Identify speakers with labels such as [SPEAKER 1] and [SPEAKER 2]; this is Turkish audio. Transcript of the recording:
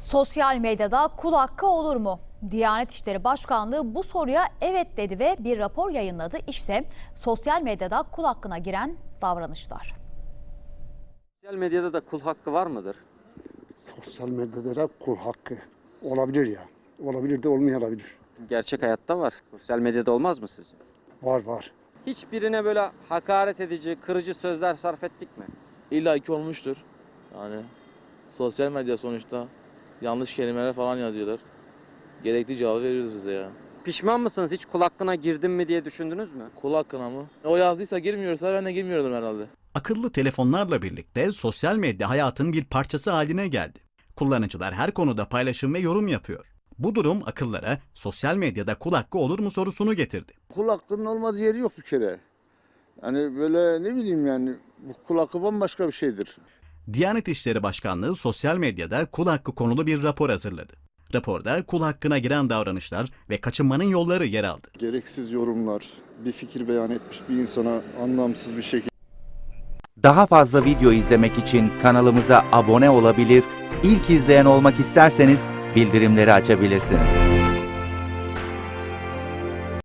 [SPEAKER 1] Sosyal medyada kul hakkı olur mu? Diyanet İşleri Başkanlığı bu soruya evet dedi ve bir rapor yayınladı. İşte sosyal medyada kul hakkına giren davranışlar.
[SPEAKER 2] Sosyal medyada da kul hakkı var mıdır?
[SPEAKER 3] Sosyal medyada da kul hakkı olabilir ya. Olabilir de olmayabilir.
[SPEAKER 2] Gerçek hayatta var. Sosyal medyada olmaz mı sizce?
[SPEAKER 3] Var.
[SPEAKER 2] Hiçbirine böyle hakaret edici, kırıcı sözler sarf ettik mi?
[SPEAKER 4] İlla ki olmuştur. Yani sosyal medya sonuçta yanlış kelimeler falan yazıyorlar. Gerekli cevabı veriyoruz bize ya.
[SPEAKER 2] Pişman mısınız? Hiç kul hakkına girdim mi diye düşündünüz mü?
[SPEAKER 4] Kul hakkına mı? O yazdıysa girmiyorsa ben de girmiyordum herhalde.
[SPEAKER 5] Akıllı telefonlarla birlikte sosyal medya hayatın bir parçası haline geldi. Kullanıcılar her konuda paylaşım ve yorum yapıyor. Bu durum akıllara sosyal medyada kul hakkı olur mu sorusunu getirdi.
[SPEAKER 6] Kul hakkının olmadığı yeri yok bir kere. Yani böyle ne bileyim yani bu kul hakkı bambaşka bir şeydir.
[SPEAKER 5] Diyanet İşleri Başkanlığı sosyal medyada kul hakkı konulu bir rapor hazırladı. Raporda kul hakkına giren davranışlar ve kaçınmanın yolları yer aldı.
[SPEAKER 7] Gereksiz yorumlar, bir fikir beyan etmiş bir insana anlamsız bir şekilde
[SPEAKER 8] Daha fazla video izlemek için kanalımıza abone olabilir, ilk izleyen olmak isterseniz bildirimleri açabilirsiniz.